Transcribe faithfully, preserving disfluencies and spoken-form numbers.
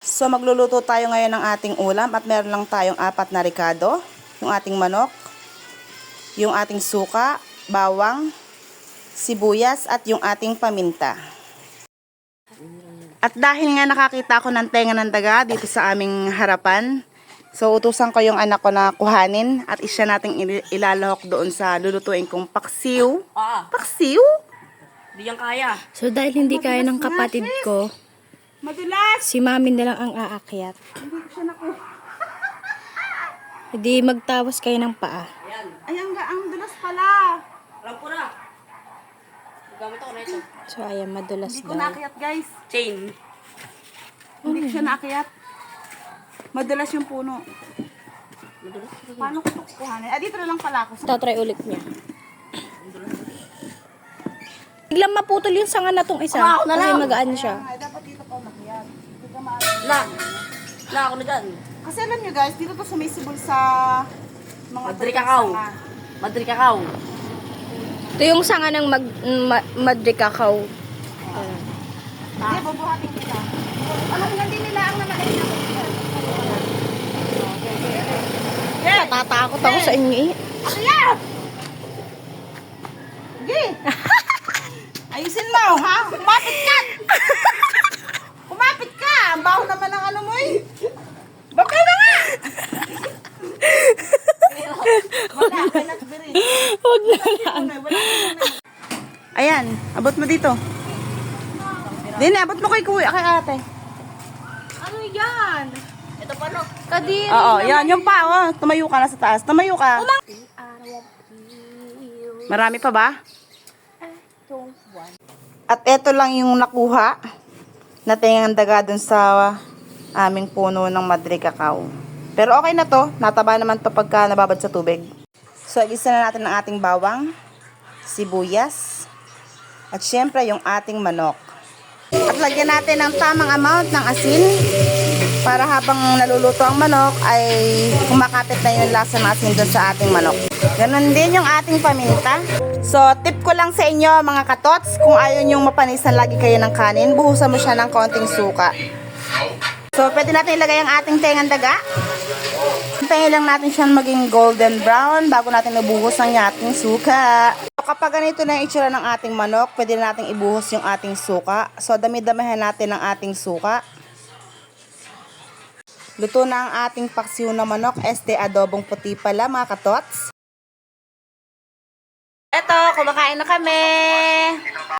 So magluluto tayo ngayon ng ating ulam at meron lang tayong apat na ricado, yung ating manok, yung ating suka, bawang, sibuyas at yung ating paminta. At dahil nga nakakita ko ng tenga ng daga dito sa aming harapan, so utusan ko yung anak ko na kuhanin at isya nating ilalahok doon sa lulutuin kong paksiw. Ah, Paksiw? di yan kaya. So dahil hindi kaya ng kapatid ko, Madulas! si mami na lang ang aakyat. Hindi ko siya naku. Hindi magtawas kayo ng paa. Ayan. Ay, ang, ang dulas pala. Alam ko na. Gamit ako na ito. So ayan, madulas Hindi ko daw. naakyat, guys. Chain. Hindi ko siya naakyat. Madulas yung puno. Madulas. Paano ko ito kuhanin? Ah, dito na lang pala ako. Tatry ulit niya. Biglang maputol yung sanga na tong isa. Ah, ako na Kasi lang. magaan siya. Ay, dapat dito pa umakyat. Hindi ka maaari. La. La ako na dyan. Kasi alam nyo guys, dito to sumisibol sa mga Madri tuyong kakao. sanga. Madri kakao. Ito yung sanga ng mag, ma, Madre Cacao. Hindi, bubuhatin kita. Alam nga din nila ang naman ay Yeah. Natatakot ako sa inyo eh. Akyat! Sige! Ayusin mo, ha? Kumapit ka! Kumapit ka! Ang baho naman ng ano mo eh. Bakay na nga! Wala, kanak beri. Huwag na lang. Wala, wala. Ayan, abot mo dito. Dini, abot mo kay kuya, kay ate. Ano yan? Ito pa no. Kadiri. Oo, yan, yung pa, oh. Tumayo ka na sa taas. Tumayo ka. Marami pa ba? At eto lang yung nakuha na tingang daga dun sa aming puno ng Madre Cacao. Pero okay na to. Nataba naman to pagka nababad sa tubig. So, igisa na natin ang ating bawang, sibuyas, at syempre yung ating manok. At lagyan natin ng tamang amount ng asin para habang naluluto ang manok ay kumakapit na yung lasa ng asin dun sa ating manok. Ganon din yung ating paminta. So, tip ko lang sa inyo mga katots, kung ayaw nyong mapanisan lagi kayo ng kanin, buhusan mo siya ng konting suka. So, pwede natin ilagay ang ating tengang daga. Hintayin lang natin siyang maging golden brown bago natin nabuhos ang ating suka. So, kapag ganito na yung itsura ng ating manok, pwede na natin ibuhos yung ating suka. So, dami-damihan natin ang ating suka. Luto na ang ating paksiw na manok. Este adobong puti pala mga katots. Eto, kumakain na kami.